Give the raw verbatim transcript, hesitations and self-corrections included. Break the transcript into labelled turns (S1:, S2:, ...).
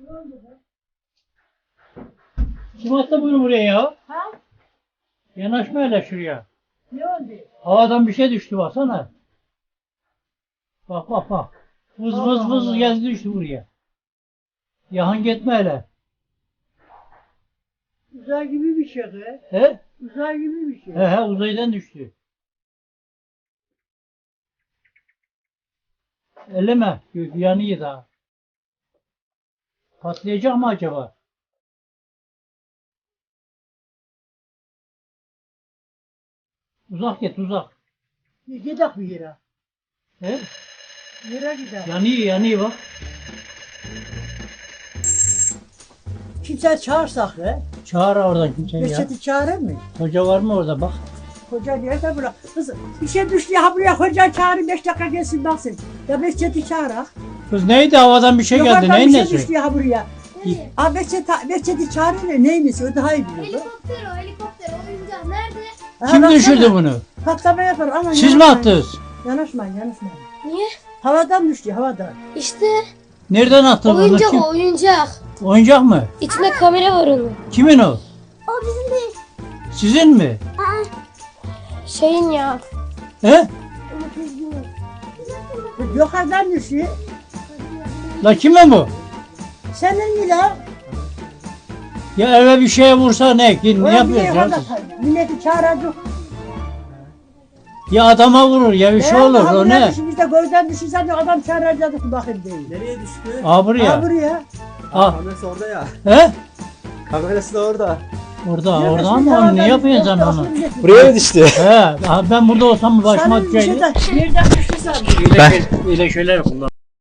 S1: Kim attı bunu buraya ya?
S2: Ha?
S1: Yanaşma hele şuraya.
S2: Ne oldu?
S1: Havadan bir şey düştü baksana. Bak bak bak. Vız
S2: Allah
S1: vız vız
S2: Allah.
S1: geldi düştü buraya. Yahan gitme hele.
S2: Uzay gibi bir şey be.
S1: He?
S2: Uzay gibi bir şey.
S1: He he uzaydan düştü. Elleme. Yanıyor daha. Patlayacak mı acaba? Uzak git uzak.
S2: Gidelim bir yere.
S1: He?
S2: Yere gidelim.
S1: Yanıyor yanıyor bak.
S2: Kimse çağırsak be.
S1: Çağır oradan kimseyi ya.
S2: Reçeti çağırır mı?
S1: Hoca var mı orada bak.
S2: Hoca nerede bırak? Kız bir şey düştü ya buraya hoca çağırın beş dakika gelsin baksın. Ya Behçet'i çağırak.
S1: Kız neydi havadan bir şey geldi
S2: Yukarıdan
S1: neyin
S2: bir şey
S1: nesi?
S2: düştü ya buraya. Aa Behçet, Behçet'i çağırın ya neymiş o daha iyi biliyor.
S3: Helikopter o helikopter oyuncak nerede?
S2: Ha,
S1: Kim
S2: baksana.
S1: düşürdü bunu?
S2: Patlama yapar ama
S1: Siz mi
S2: yanaşmayın.
S1: attınız?
S2: Yanaşmayın yanaşmayın.
S3: Niye?
S2: Havadan düştü havadan.
S3: İşte
S1: Nereden attın onu?
S3: oyuncak
S1: Kim?
S3: o oyuncak.
S1: Oyuncak mı?
S3: İçinde kamera var onun.
S1: Kimin o?
S3: O bizim değil.
S1: Sizin mi?
S3: Şeyin ya.
S1: He?
S2: Yukarıdan düşüyor.
S1: La kimin bu?
S2: Senin mi la?
S1: Ya eve bir şeye vursa ne? Ne
S2: Ulan bir
S1: yapıyorsun
S2: yukarıda
S1: ya?
S2: kal- Milleti çağıracak.
S1: Ya adama vurur ya bir şey olur o ne?
S2: Biz de gözden düşürsen de adam çağıracaktık bakayım değil.
S4: Nereye düştü?
S1: Aa
S2: Ha
S1: buraya.
S2: buraya.
S1: Aa.
S4: Kamerası orada ya.
S1: He?
S4: Kamerası da orada.
S1: Orada
S2: Ya
S1: orada
S2: biz
S1: ama onu
S2: havadan
S1: ne yapıyorsun sen
S2: düştü,
S1: onu?
S2: aklım yetmiyor.
S4: Buraya mı düştü?
S1: He. aha ben burada olsam başıma
S2: Sana bir şey
S1: düşeydi.
S2: de nereden düştü sen?
S1: Öyle, şey- öyle şeyler kullan.